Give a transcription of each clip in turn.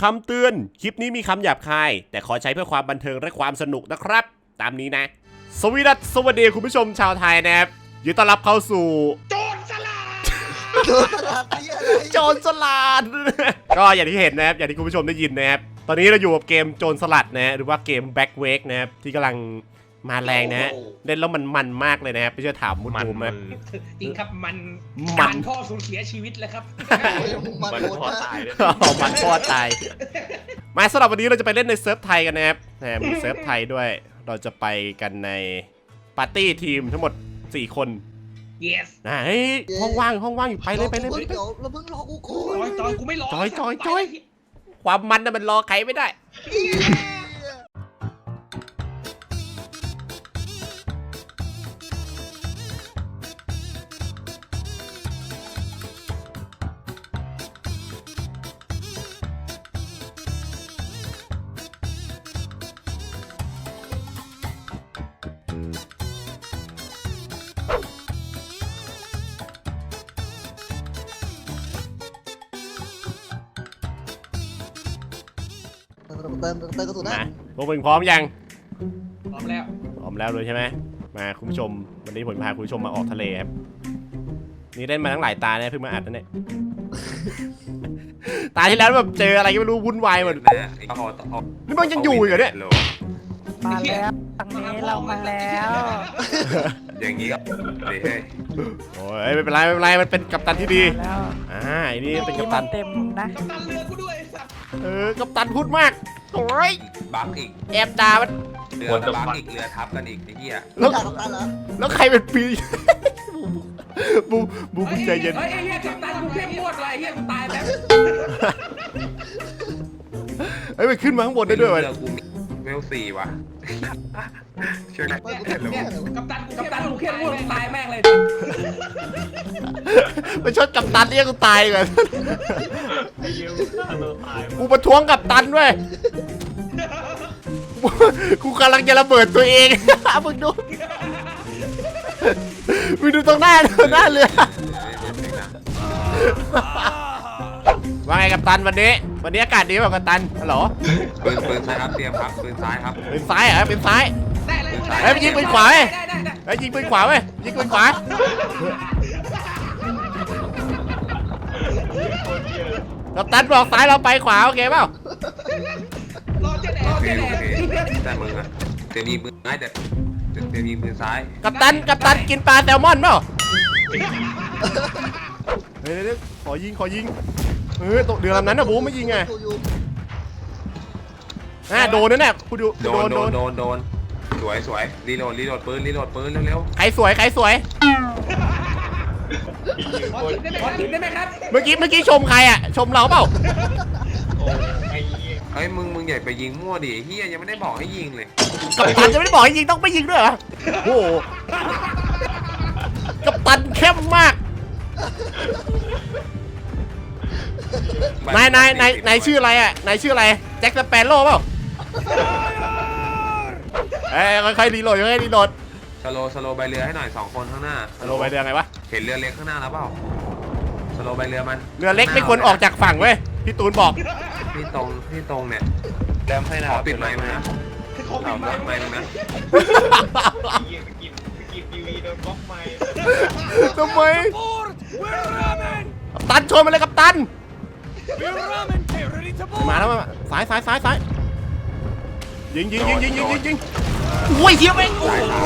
คำเตือนคลิปนี้มีคำหยาบคายแต่ขอใช้เพื่อความบันเทิงและความสนุกนะครับตามนี้นะสวัสดีคุณผู้ชมชาวไทยนะครับยินดีต้อนรับเข้าสู่โจรสลัด ก็อย่างที่เห็นนะครับอย่างที่คุณผู้ชมได้ยินนะครับตอนนี้เราอยู่กับเกมโจรสลัดนะหรือว่าเกม Back Wake นะครับที่กำลังมาแรงนะฮะเล่นแล้วมันมากเลยนะครับไม่เชื่อถามมุดดูมั้ยจริงครับมันพ่อสูญเสียชีวิตแล้วครับมันพ่อตายเลยมันพ่อตายมาสำหรับวันนี้เราจะไปเล่นในเซิร์ฟไทยกันนะครับมีเซิร์ฟไทยด้วยเราจะไปกันในปาร์ตี้ทีมทั้งหมด4 คน yes นะเฮ้ยห้องว่างอยู่ไปเลยเราเพิ่งรอกูก่อนจอยกูไม่รอจอยความมันน่ะมันรอใครไม่ได้เติมกระสุนนะพวกมึงพร้อมยังพร้อมแล้วเลยใช่ไหมมาคุณผู้ชมวันนี้ผมพาคุณผู้ชมมาออกทะเลครับนี่เล่นมาทั้งหลายตาเนี่ยเพิ่งมาอัดนั่นเนี่ยตาที่แล้วแบบเจออะไรก็ไม่รู้วุ่นวายหมดนี่มันยังอยู่อีกเหรอเนี่ยมาแล้วทางนี้เรามาแล้วอย่างนี้ก็เฮ้ยโอ้ยไม่เป็นไรมันเป็นกัปตันที่ดีไอ้นี่เป็นกัปตันเต็มนะกัปตันเรือกูด้วยกัปตันพูดมากโอ้ยบักอีกแอบด่ามันเรือบักอีกเรือทับกันอีกไอ้เหี้ยแล้วใครเป็นปีบูใจเย็นไอ้เหี้ยกัปตันกูเข้มงวดเลยไอ้เหี้ยกูตายแล้วมันขึ้นมาข้างบนได้ด้วยวะเวล4ว่ะช่วยหน่อยกัปตันกูเข้มงวดตายแม่งเลยไปชดกัปตันเรียกกูตายก่อนกูประท้วงกัปตันด้วยกูกำลังจะระเบิดตัวเองมึงดูตรงหน้าเรือว่าไงกัปตันวันนี้อากาศดีป่ะกัปตันฮัลโหลปืนซ้ายครับเตรียมครับปืนซ้ายครับปืนซ้ายเหรอปืนซ้ายเฮ้ยยิงปืนขวาเว้ยยิงปืนขวาเว้ยยิงปืนขวากัปตันบอกซ้ายเราไปขวาโอเคเปล่าโอเคแต่มึงอะเตรียมยิงปืนซ้ายแต่เตรียมยิงปืนซ้ายกัปตันกินปลาแซลมอนเปล่าเฮ้ยขอยิงตกเรือลำนั้นนะบูไม่ยิงไงโดนนั่นแหละคุณดูโดนสวยรีโหลดปืนเร็วใครสวยขอถึงได้ไหมครับเมื่อกี้ชมใครอ่ะชมเราเปล่าเฮ้ยมึงใหญ่ไปยิงมั่วดิเฮียยังไม่ได้บอกให้ยิงเลยกัปตันจะไม่ได้บอกให้ยิงต้องไปยิงด้วยเหรอโอ้กัปตันเข้มมากนายชื่ออะไรอ่ะนายชื่ออะไรแจ็คสเปโร่เปล่าค่อยๆรีโหลดสโลใบเรือให้หน่อย2 คนข้างหน้าสโลใบเรือไงวะเห็นเรือเล็กข้างหน้าแล้วเปล่าสโลใบเรือมันเรือเล็กไม่ควรออกจากฝั่งเว้ยพี่ตูนบอกที่ตรงเนี่ยแรมให้นะปิดไมค์มึงนะปิดไมค์มึงนะทำไมกัปตันชนมาเลยกัปตันมาแล้วสายยิงโอ้ยเทียบเอง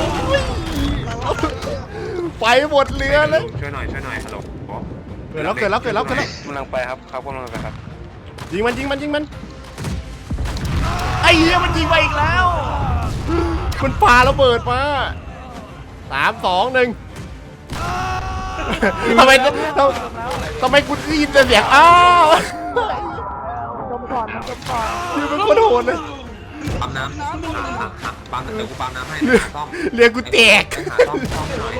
ไปหมดเรือเลยช่วยหน่อยฮัลโหลเกิดแล้วกำลังไปครับกำลังไปครับยิงมันไอ้เหี้ยมันยิงไปอีกแล้วมันปาระเบิดมา3 2 1ทำไมกูได้ยินแต่เสียงอ้าวจมก่อนคือเป็นคนโหดเลยปั๊มน้ำปั๊มเดี๋ยวกูปั๊มน้ำให้ซ่อมเรือกูแตกซ่อมหน่อย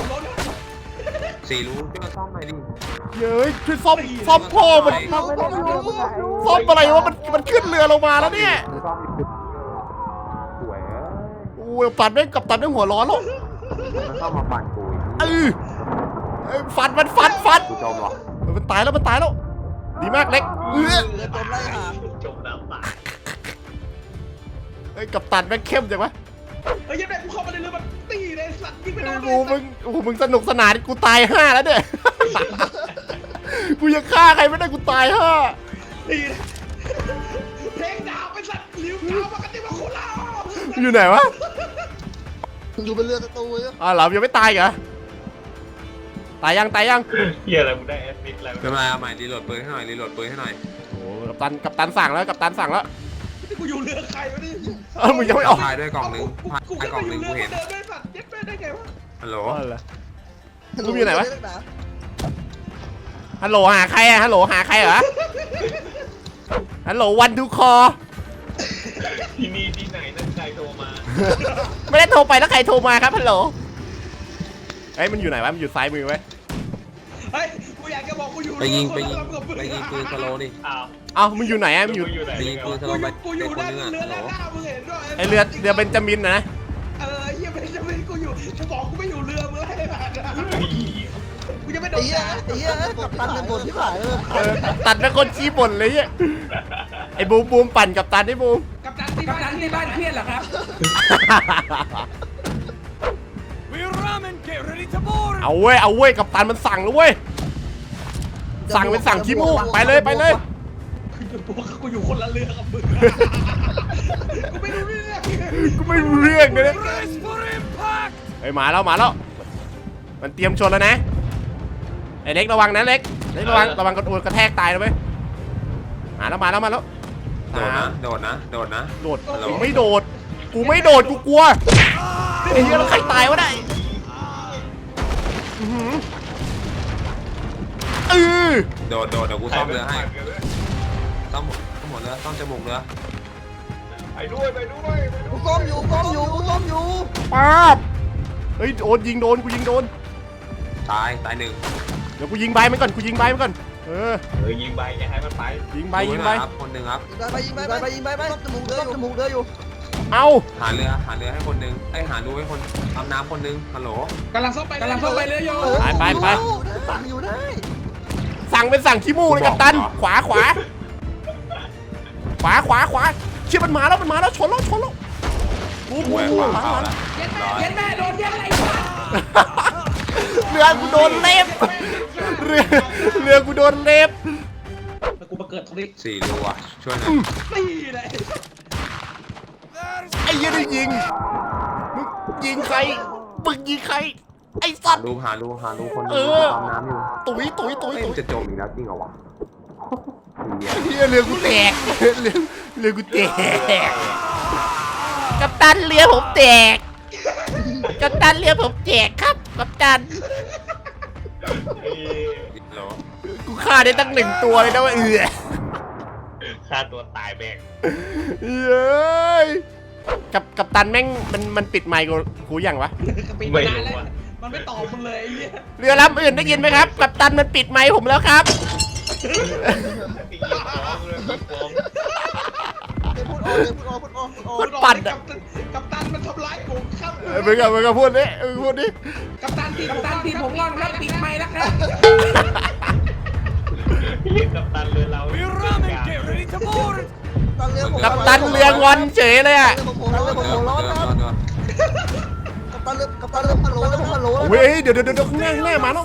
4 รู้ช่วยซ่อมหน่อยดิเย้ยช่วยซ่อมพ่อมันซ่อมอะไรวะมันขึ้นเรือลงมาแล้วเนี่ยสวยโอ้ยปัดแม่งกับตันแม่งหัวร้อนแล้วซ่อมมาปั่นกูฟันกูจมหรอมันตายแล้วดีมากเล็กจมไล่หาอ้กัปตันแม่งเข้มจังวะเฮ้ยยังไงกูเข้ามาในเรือมันตีเลยสัตว์ยิงไปโดนมึงสนุกสนานกูตาย5แล้วเนี่ย กูยังฆ่าใครไม่ได้กูตาย5 ตีเพลงดาวไปสัตว์ลิ้วดาวปกติมาโคราชอยู่ไหนวะอยู่เป็นเรือศัตรูเลยอ๋อเหรอยังไม่ตายเหรอตายยังเฮียอะไรมึงได้แอสซิสต์อะไรไม่เป็นไรเอาใหม่รีโหลดปืนให้หน่อยรีโหลดปืนให้หน่อยโอ้กัปตันสั่งแล้วที่กูอยู่เรือใครวะนี่มึงยังไม่ออกพายด้วยกล่องนึงพายกูกล่องนึงเรืกูเห็นเดินด้วยสัตว์เย็ดแม่ได้ไงวะฮัลโหลมึงอยู่ไหนวะฮัลโหลหาใครอะฮัลโหลหาใครเหรอฮัลโหลวันทูคอที่นี่ที่ไหนนั่นใครโทรมาไม่ได้โทรไปแล้วใครโทรมาครับฮัลโหลเอ้ยมันอยู่ไหนวะมันอยู่ซ้ายมือไว้เฮ้ยกูอยากจะบอกกูอยู่ไปยิงเรือปืนสโลว์ดิอ้าวเอ้ามึงอยู่ไหนอะมึงอยู่ไหนไปยิงปืนสโลว์ไปกูอยู่คนด้านนึงอ่ะเรือฮัลโหลด้านหน้ามึงเห็นด้วยไอเรือเบนจามินนะเฮียเป็นจะไม่กูอยู่กูบอกกูไม่อยู่เรือมึงให้ผ่านกูจะไม่โดไอ้นเหี้ยไอ้เหี้ยกับตันเป็นบทที่ผ่านเลยตัดเป็นคนชี้บ่นเลยเนี่ยไอ้บูมปั่นกับตันไอ้บูมกับตันที่บ้านเครียดเหรอครับเอาเว้ยกับตันมันสั่งแล้วเว้ยสั่งเป็นสั่งขี้มูกไปเลยกูอยู่คนละเรือกับมึงกูไม่รู้เรื่องกูไม่รู้เรื่องเลยนะเฮ้ยมาแล้วมันเตรียมชนแล้วนะไอ้เล็กระวังนะเล็กระวังกระแทกตายนะเว้ยมาแล้วโดดนะโดดฮัลโหลกูไม่โดดกูกลัวไอ้เหี้ยแล้วใครตายวะได้โดดเดี๋ยวกูซ่อมเรือให้ซ่อมหมดเรือซ่อมจมูกเรือไปด้วยกูก้มอยู่ป๊าบเฮ้ยโดนยิงโดนกูยิงโดนตายหนึ่งเดี๋ยวกูยิงใบมันก่อนยิงใบยิงใบอย่าให้มันไปยิงใบครับคนหนึ่งครับยิงไปจมูกเรืออยู่เอาหาเรือให้คนหนึ่งหารูให้คนทำน้ำคนหนึ่งฮัลโหลกำลังเข้าไปเรือโยไปสั่งอยู่ได้สั่งเป็นสั่งขี้มูกเลยกัปตันขวาเชี่ยมันมาแล้วชนแล้วกูแหวกขวาเข้าแล้วเย็นแม่โดนเย็นอะไรเรือกูโดนเล็บเรือกูโดนเล็บกูมาเกิดตรงนี้ 4 รูอ่ะช่วยหน่อยตีเลยไอ้ยี่ได้ยิงมึงยิงใครไอ้สัตว์หารูคนหนึงทำน้ำอยู่ตุ๋ยมันจะจมอีกแล้วจริงเหรอวะเฮียเรือกูแตกเรือกูแตกกัปตันเรือผมแตกครับกัปตันฮัลโหลกูฆ่าได้ตั้ง1 ตัวเลยนะว่าฆ่าตัวตายแบกเย้ยกัปตันแม่งมันปิดไมค์กูยังวะไม่รู้อ่ะมันไม่ตอบมึงเลยไอ้เหี้ยเรือลำอื่นได้ยินไหมครับกัปตันมันปิดไมค์ผมแล้วครับตีฟ้องเลยตีฟ้องพูดออกมันปั่นอะกัปตันมันทำร้ายผมครับมึงก็พูดดิกัปตันทีผมงอนครับปิดไมค์แล้วครับเรียกกัปตันเรือเรากัปตันเรืองอนเฉยเลยอ่ะผมร้อนนะกัปตันเรือฮัลโหลเว้ยเดี๋ยวข้างหน้ามาแล้ว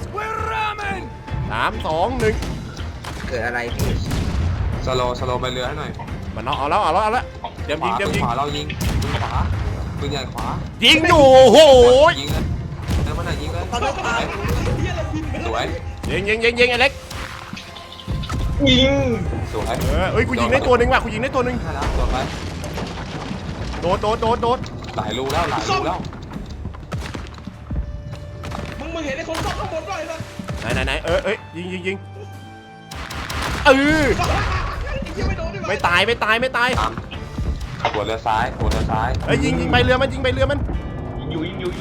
3 2 1 เกิดอะไรพี่สโลไปเรือให้หน่อยมันเอาแล้วเดี๋ยวยิงขวาเรายิงปืนขวาปืนใหญ่ขวายิงอยู่โหยิงเลยแล้วมันไหนยิงเลยสวยยิงไอ้เล็กยิงสวยเอ้ยกูยิงได้ตัวหนึ่งว่ะใช่แล้วโดดไป โดดหลายรูแล้วมึงเห็นไอ้คนซ่อมข้างบนด้วยนะไหนยิงไม่ตายตามหัวเรือซ้ายเอ้ยยิงไปเรือมันยิงอยู่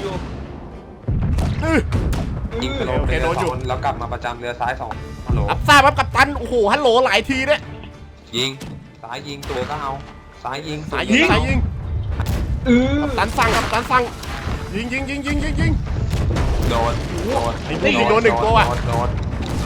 ยิงสโลไปเรือ2 คนแล้วกลับมาประจำเรือซ้าย2ฮัลโหลรับทราบครับกัปตันโอ้โหฮัลโหลหลายทีเนี่ยยิงซ้ายยิงตัวก็เอาซ้ายยิงสายยิงกัปตันสั่งยิงโดนไอ้พวกยิงโดน1 ตัวว่ะโดน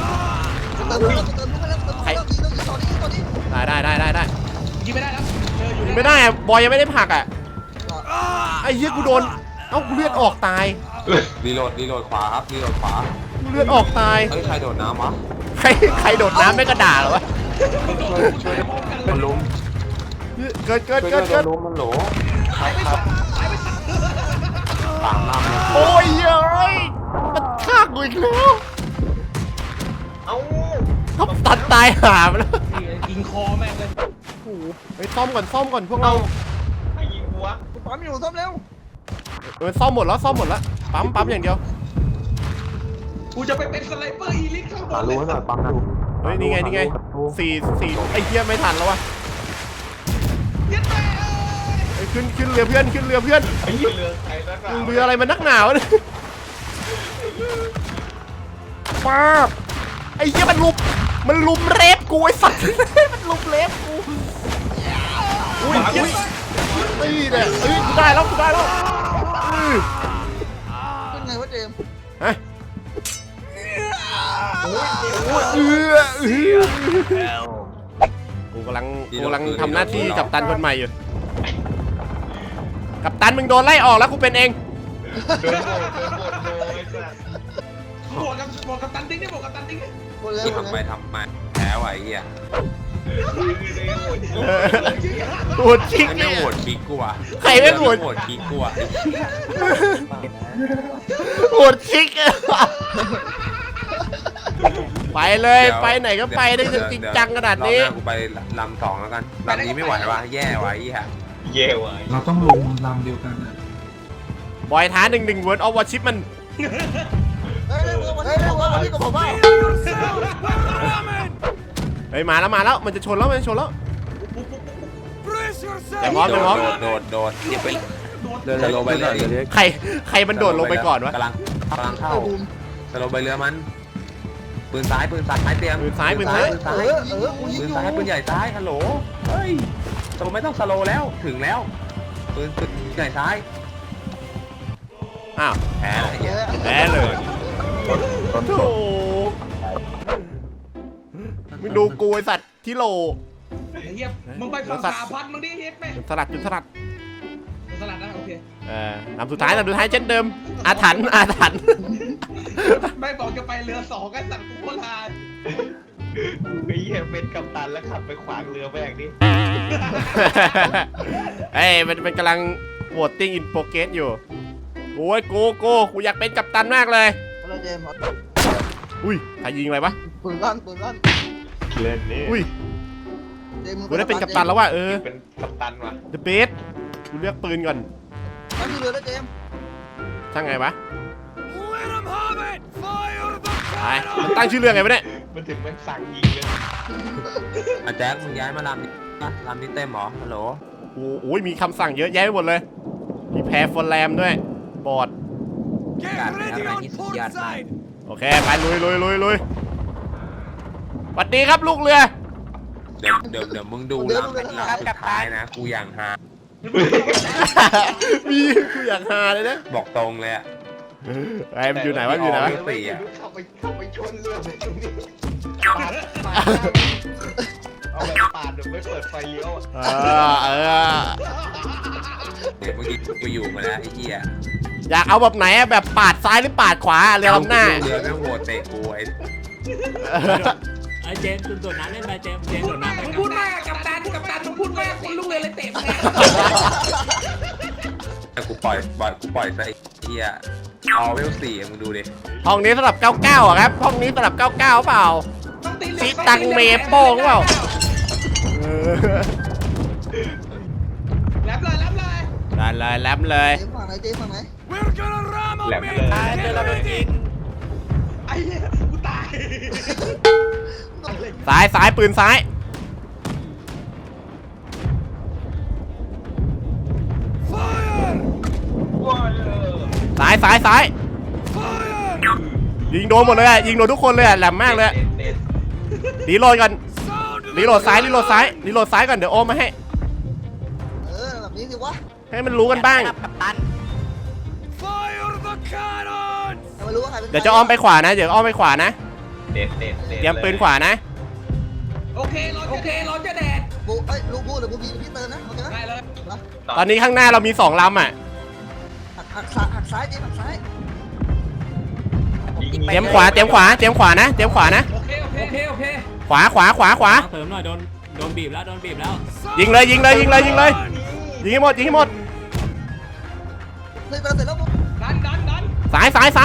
เติมลูกไปแล้วตอนนี้ได้ยิงไม่ได้แล้วเจอยิงไม่ได้อะบอยยังไม่ได้ผลักอ่ะไอ้เหี้ยกูโดนเอ้ากูเลือดออกตายรีโหลดขวาครับรีโหลดขวากูเลือดออกตายเฮ้ยใครโดดน้ำวะใครโดดน้ำไม่กระด่าเหรอวะมันลุมเกิดมันลุมมันโหลครับตามล่ำโอ้ยเฮ้ยมันฆ่ากูอีกแล้วเอ้าทับตัดตายหาไปแล้วยิงคอแม่งเลยโอ้โหไปซ่อมก่อนพวกเราไม่ยิงหัวปั๊มอยู่ซ่อมเร็วซ่อมหมดแล้วปั๊มอย่างเดียวกูจะไปเป็นสไนเปอร์อีลิทข้างบหาน รู้หน่อยปั๊มนะเฮ้ยนี่ไงสี่ไอ้เหี้ยไม่ทันแล้ววะเย็ดแม่เฮ้ยขึ้นเรือเพื่อนไอ้เหี้ยเรือใครนักหนาเรืออะไรมันนักหนาวะเนี่ยป้าบไอ้เหี้ยมันลุมเรฟกูไอ้สัตว์ มันลุมเรฟกูอุ้ยนี่เนี่ยกูได้แล้วอื้อเป็นไงวะเจมส์ฮะ กูกำลังทำหน้าที่กัปตันคนใหม่อยู่ กัปตันมึงโดนไล่ออกแล้วกูเป็นเองเดินโบดเลยสัสบวกกับตันดิ้งได้บวกกับตันดิ้งได้หมดแล้วที่หมดทำไปแล้วทำมาแพ้ว่ะไอ้เหี้ยโหดชิกไม่เนี่ยโหวตคิกกูอ่ะใครไม่โหวตคิกกูอ่ะโหดชิกอะไปเลยไปไหนก็ไปได้จริงจังขนาดนี้รอบหน้ากูไปลำสองแล้วกันลำนี้ไม่ไหววะแย่ว่ะไอ้เหี้ยเย่ว่ะเราต้องลงลำเดียวกันนะบอยท้า1 World of Warship มันเฮ้ยวันนี้กับผมว่าเฮ้ยมาแล้วมันจะชนแล้วอย่าพร้อมโดดอย่าไปเดินสโลว์ไปเรือใครมันโดดลงไปก่อนวะกำลังเข้าสโลว์ไปเรือมันปืนซ้ายเตรียมปืนซ้ายกูยิปืงนอยู่ซ้ายปืนใหญ่ซ้ายฮัลโหลเฮ้ยสโลว์ไม่ต้องสโลว์แล้วถึงแล้วปืนใหญ่ซ้ายอ้าวแพ้อะไรเงี้ยแพ้เลยโอ้โหมึงดูกูไอสัตว์ที่โลไอ้เหี้ยมึงไปฝั่งสาพันมึงดิเฮ็ดแม่จุดสลัดสลัดนะโอเคลำสุดท้ายเช่นเดิมอาถรรพ์ไม่บอกจะไปเรือ2กันสัตว์กูโคตรลาไอ้เหี้ยเป็นกัปตันแล้วขับไปขวางเรือแม่งดิเอ้ยมันกำลังโหวตติ้งอินโปรเกสอยู่โอ้ยกูอยากเป็นกัปตันมากเลยอะไรเจมส์อุ้ยใครยิงอะไรวะปืนลั่นเล่นนี่อุ้ยเจมส์กูได้เป็นกัปตันแล้วว่ะเป็นกัปตันว่ะ The Best กูเลือกปืนก่อนนั่นคือเรือแล้วเจมส์ช่างไงวะไปมันตั้งชื่อเรื่องไงวะเนี่ยมันถึงมันสั่งยิงเลยอาแจ็คมึงย้ายมาลำนี้เต็มหรอฮัลโหลโอ้ยมีคำสั่งเยอะแยะไปหมดเลยมีแพรฟอร์แรมด้วยบอร์ดการอะไรที่สุดยอดมากโอเคไปลุยสวัสดีครับลูกเรือเดี๋ยวมึงดูลำสุดท้ายนะกูอย่างฮามีกูอยากหาเลยนะบอกตรงเลยอ่ะไอ้มันอยู่ไหนวะอยู่ไหนวะสี่อ่ะเข้าไปชนเรือไปตรงนี้เอาแบบปาดแบบไม่เปิดไฟเลี้ยวอ่ะเดี๋ยวเมื่อกี้กูอยู่มาแล้วไอ้เหี้ยอยากเอาแบบไหนอะแบบปาดซ้ายหรือปาดขวาเรือลำหน้าเรือแม่งโหดเตะกูไอ้ไอ้เจมส์โดดน้ำเล่นไปเจมส์โดดน้ำไปมึงพูดมากกับตันมึงพูดมากคนลูกเรือเลยเตะมึงแต่กูปล่อยซะไอ้เหี้ยเอาเวล4มึงดูดิห้องนี้สำหรับ99อ่ะครับห้องนี้สำหรับ99เปล่า ชิตังเมโป้งเปล่าแลบเลยได้เลยแลมเลยเจมส์ฝั่งไหนเจมส์ฝั่งไหนแหลมเลยไอ้เหี้ยกูตายซ้ายปืนซ้ายซ้ายยิงโดนหมดเลยอะยิงโดนทุกคนเลยอะแหลมมากเลยอะรีโหลดก่อนรีโหลดซ้ายก่อนเดี๋ยวโอมมาให้แบบนี้สิวะให้มันรู้กันบ้างไม่รู้ว่าใครเป็นเดี๋ยวจะอ้อมไปขวานะเดี๋ยวอ้อมไปขวานะเด็ดเตรียมปืนขวานะโอเคร้อนจะแดดบูลูกบูหรือบูบีพี่เติร์นนะโอเคไหมตอนนี้ข้างหน้าเรามี2ลำอ่ะหักซ้ายดิหักซ้ายเตรียมขวานะโอเคโอเคโอเคขวาเสริมหน่อยโดนบีบแล้วยิงเลยยิงให้หมดยิงให้หมดเลยเสร็จแล้วมึงดันซ้าย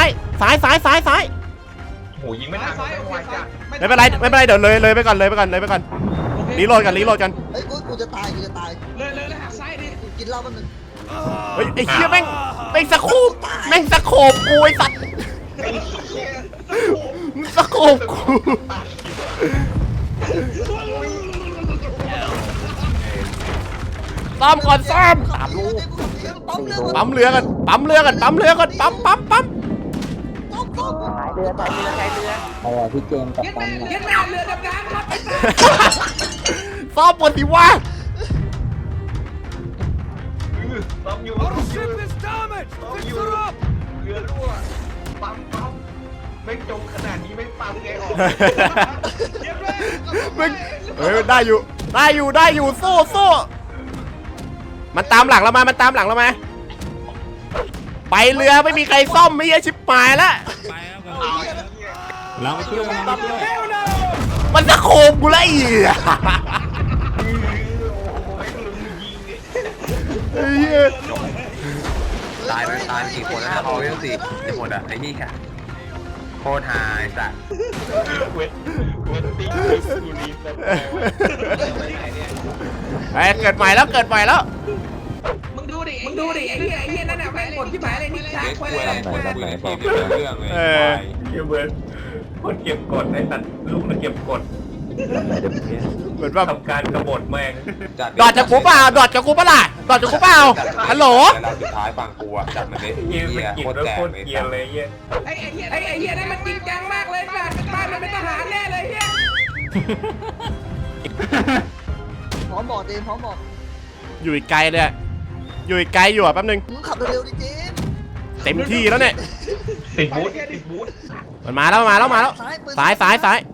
โหยิงไม่ทันซ้ายโอเคไวซ้าจัยดไม่เป็นไรเดี๋ยวเลยไปก่อนรีโหลดกันเฮ้ยกูจะตายเลยหักซ้ายดิกูกินเหล้าแป๊บนึงเฮ้ยไอ้เหี้ยแม่งสะโคบกูไอ้สัตว์มึงสะโคบกูซ้อมก่อนซ้อม ปั๊มเรือกันปั๊มเรือต่อเรือใช้เรือเย็ดแม่เรือดำน้ำครับซ้อมบนสิวะซ้อมอยู่เรือรั่วปั๊มไม่จมขนาดนี้ไม่ปั๊มไงออกเย็ดแม่มึงเฮ้ยได้อยู่สู้มันตามหลังเรามาไปเรือไม่มีใครซ่อมไม่ใช่ชิบหายแล้วไปแล้วเราไปช่วยมันจะโคมกูแล้วอีกไอ้เหี้ยตายกี่คนแล้วนะเอาเรื่องสิจะหมดอ่ะไอ้นี่ค่ะโคตรหายสัตว์เวทติ้งกูรีสไอ้เกิดใหม่แล้วมึงดูดิไอ้เหี้ยนั่นน่ะแม่งกดที่หมายเลยนี่ช้าควายไหนบอกเรื่องเลยเบิร์ดคนเก็บกดไอ้สัตว์ลูกมันเก็บกดเหมือนแบบทำการกบฏแม่งดอดจากกูเปล่าฮัลโหลเราสุดท้ายฝั่งกูอ่ะจัดมันเลยเกมมันกินแล้วโคตรเกลียนเลยเงี้ยไอ้เหี้ยนั่นมันจริงจังมากเลยสัตว์บ้านมันเป็นทหารแน่เลยเหี้ยพร้อมบอกเจมพร้อมบอกอยู่อีกไกลเลยอะอยู่อีกไกลอยู่อะแป๊บนึงมึงขับเร็วๆดิเจมเต็มที่แล้วเนี่ยติดบูทมันมาแล้วซ้าย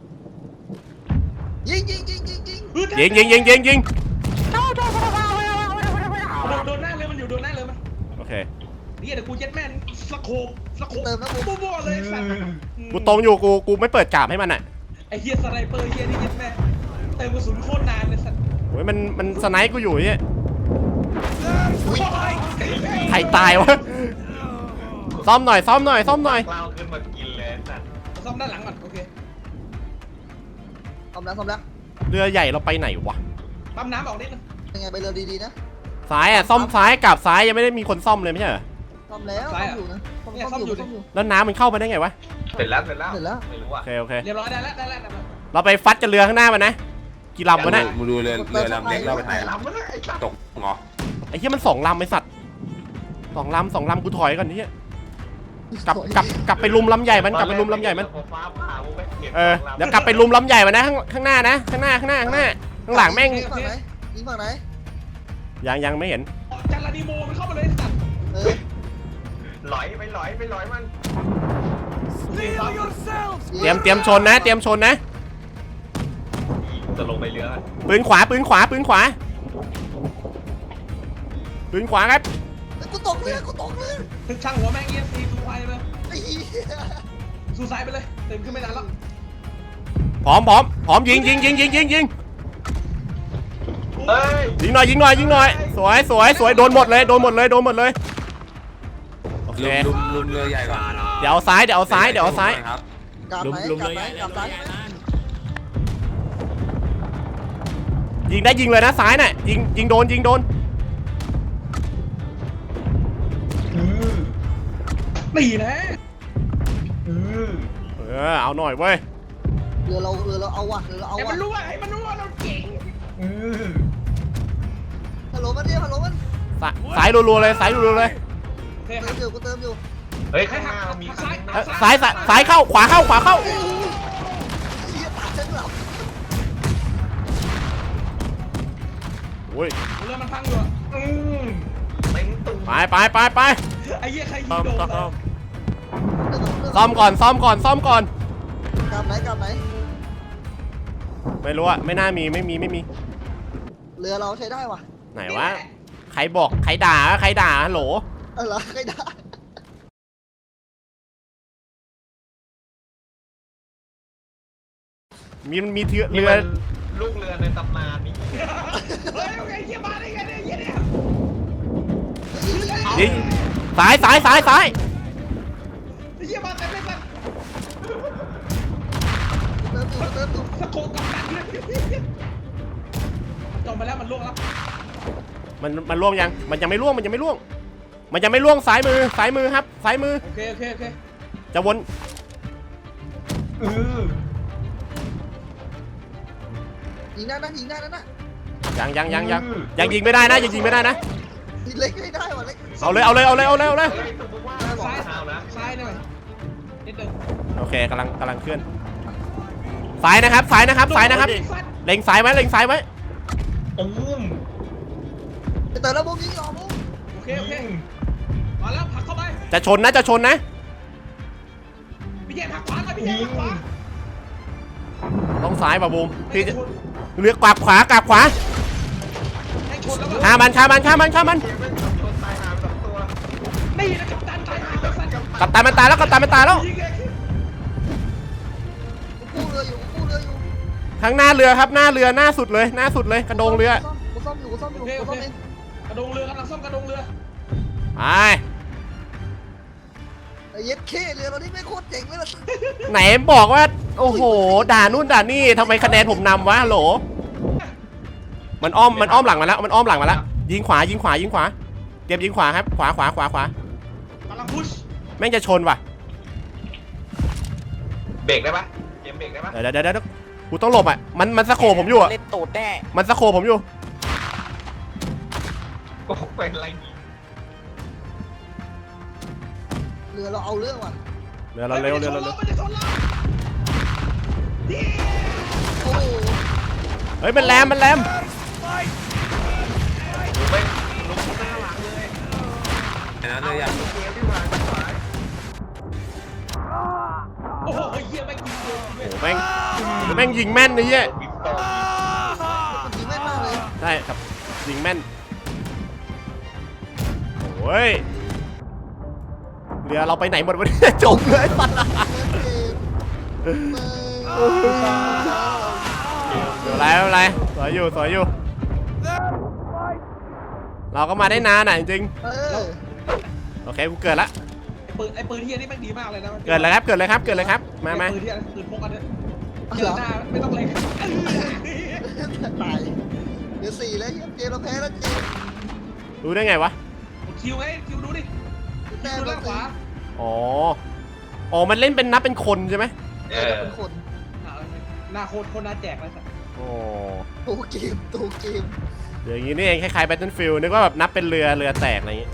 ยิงยิงโดนหน้าเลยมันอยู่โดนหน้าเลยมันโอเคนี่เดี๋ยวกูเย็ดแม่นสะโคบบัวเลยสัตว์กูตรงอยู่กูไม่เปิดกราบให้มันอะไอ้เหี้ยสไนเปอร์เหี้ยนี่เย็ดแม่เติมกระสุนโคตรนานเลยสัตว์โอ้ยมันสไนป์กูอยู่เนี่ยใครตายวะซ่อมหน่อยกล้าวขึ้นมากินเลยสัตว์ซ่อมด้านหลังก่อนโอเคซ่อมแล้วเรือใหญ่เราไปไหนวะปั๊มน้ำออกนิดนึงยังไงไปเรือดีๆนะซ้ายอะซ่อมซ้ายกลับซ้ายยังไม่ได้มีคนซ่อมเลยไม่ใช่เหรอซ่อมแล้วซ่อมอยู่นะซ่อมอยู่แล้วน้ำมันเข้ามาได้ไงวะเสร็จแล้วเสร็จแล้วไม่รู้อ่ะโอเคเรียบร้อยได้แล้วเราไปฟัดกันเรือข้างหน้ามันนะกี่ลำวะเนี่ยมึงดูเรือลำเล็กเราไปถ่ายลำมันไอ้สัตว์ตกเหรอไอ้เหี้ยมัน2 ลำไอ้สัตว์2 ลำกูถอยก่อนนี่กลับไปลุมลำใหญ่มันฟ้าผ่าไม่เก็บเดี๋ยวกลับไปลุมลำใหญ่มันนะข้างหน้านะข้างหน้าข้างหลังแม่งยิงฝั่งไหนยังไม่เห็นจันลาดิโมมันเข้ามาเลยสัตว์หลอยมันเตรียมชนนะจะลงไปเรือปืนขวาครับกูตกเรือช่างหัวแม่งเงี้ยซีซูไฟไปไอ้เหี้ยซูไซไปเลยเต็มขึ้นไม่นานแล้วพร้อมยิงเฮ้ยยิงหน่อยสวยโดนหมดเลยโอเคลุมเรือใหญ่ก่อนเดี๋ยวเอาซ้ายครับกลับลุมไหนเลยกลับซ้ายยิงเลยนะซ้ายน่ะยิงโดนตีนะเอาหน่อยเว้ยเรือเราเอาว่ะให้มันรู้ว่าเราเก่งฮัลโหลมันสายรัวๆเลยโอเคกูเติมอยู่เฮ้ยข้างหน้ามีซ้ายเข้าขวาเข้าเหี้ยตาฉันหลับโอ้ยเรือมันพังอยู่เต็มตุ้มไปไอ้เหี้ยใครยิงโดนซ่อมก่อนกลับไหนไม่รู้อะไม่น่ามีไม่มีเรือเราใช้ได้ว่ะไหนวะใครบอกใครด่าฮัลโหลอะไรใครได้มีเรือนี่มันลูกเรือในตำนานนี่เฮ้ยโอเคเยี่ยมาได้ไงเนี่ยเยี่ยเนี่ยยิงซ้ายเยี่ยมาแต่ไม่สักเติมอยู่สะโคกกับกันเลยจบไปแล้วมันล่วงแล้วมันล่วงยังมันยังไม่ล่วงมันยังไม่ล่วงซ้ายมือครับซ้ายมือโอเคจะวนยิงได้นะยิงได้นะยังยิงไม่ได้นะยิงไม่ได้นะยิงเล็กไม่ได้ว่ะเล็กเอาเลยเฮ้ยสมมติว่าบอกซ้ายข่าวนะซ้ายหน่อยนิดนึงโอเคกำลังเคลื่อนซ้ายนะครับเล็งซ้ายไว้ตุ้มเติมแล้วบุ้งยิงออกบุ้งโอเคมาแล้วผลักเข้าไปจะชนนะพี่เจผลักขวาไปพี่เจผลักขวาต้องซ้ายป่ะบูมพี่จะเลือกกลับขวาให้ชนแล้วก็ฆ่ามันเกมไม่ชนตายหา2 ตัวนี่นะกัปตันตายหาแล้วสัตว์กัปตันมันตายแล้วยิงเลยกู้เรืออยู่ข้างหน้าเรือครับหน้าเรือหน้าสุดเลยกระโดงเรือกูซ่อมอยู่โอเคกระดงเรือกำลังซ่อมกระดงเรือไปไอ้เย็ดเคเรือเรานี่ไม่โคตรเจ๋งเลยล่ะไหนบอกว่าโอ้โหด่านู่นด่านี่ทำไมคะแนนผมนำวะฮัลโหลมันอ้อมหลังมาแล้วยิงขวาเตรียมยิงขวาครับขวากำลังพุชแม่งจะชนว่ะเบรกได้ปะเกมเบรกได้ปะเดี๋ยวกูต้องหลบอ่ะมันสะโขบผมอยู่อ่ะเล่นตูดแน่มันสะโขบผมอยู่โอ้เป็นไรนี่เรือเราเอาเรื่องว่ะเรือเราเร็วมันจะชนเราโอ้โหเฮ้ยมันแรมดูไปลุกหน้าหลังเลยเห็นแล้วเลยอยากเกมที่ผ่านไปโอ้โหเยี่ยไม่กินเลยโอ้แม่งยิงแม่นไอ้เหี้ยบินต่อมันยิงแม่นมากเลยใช่ครับยิงแม่นโอ้ยเรือเราไปไหนหมดวะเนี่ย จมเลยปัดไม่เป็นไรสวยอยู่เราก็มาได้นานอ่ะจริง โอเคกูเกิดละไอ้ปืนเฮียนี่แม่งดีมากเลยนะเกิดเลยครับมาปืนเฮียปืนพกอันเนี้ยเจอหน้าไม่ต้องเล็งตายเดี๋ยว4แล้วเกมเราแพ้แล้วจริงรู้ได้ไงวะคิวไงคิวดูดิคิวด้านขวาอ๋อมันเล่นเป็นนับเป็นคนใช่ไหมเป็นคนหน้าโคตรน่าแจกเลยสัตว์โอ้ตัวเกมเดี๋ยวอย่างนี้นี่เองคล้ายๆ Battlefield นึกว่าแบบนับเป็นเรือแตกอะไรอย่างงี้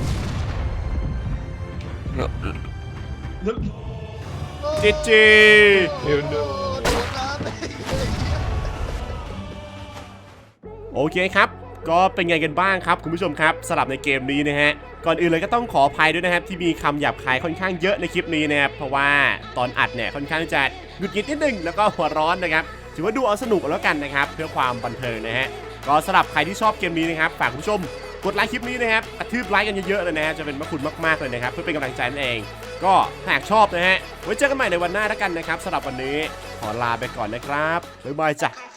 จีโดนน้ำไปโอเคครับก็เป็นไงกันบ้างครับคุณผู้ชมครับสำหรับในเกมนี้นะฮะก่อนอื่นเลยก็ต้องขออภัยด้วยนะครับที่มีคำหยาบคายค่อนข้างเยอะในคลิปนี้นะครับเพราะว่าตอนอัดเนี่ยค่อนข้างจะหงุดหงิดนิดนึงแล้วก็หัวร้อนนะครับถือว่าดูเอาสนุกแล้วกันนะครับเพื่อความบันเทิงนะฮะก็สำหรับใครที่ชอบเกมนี้นะครับฝากคุณผู้ชมกดไลค์คลิปนี้นะครับกระทืบไลค์กันเยอะๆเลยนะฮะจะเป็นพระคุณมากๆเลยนะครับเพื่อเป็นกำลังใจนั่นเองก็หากชอบนะฮะไว้เจอกันใหม่ในวันหน้าแล้วกันนะครับสำหรับวันนี้ขอลาไปก่อนนะครับบ๊ายบายจ้ะ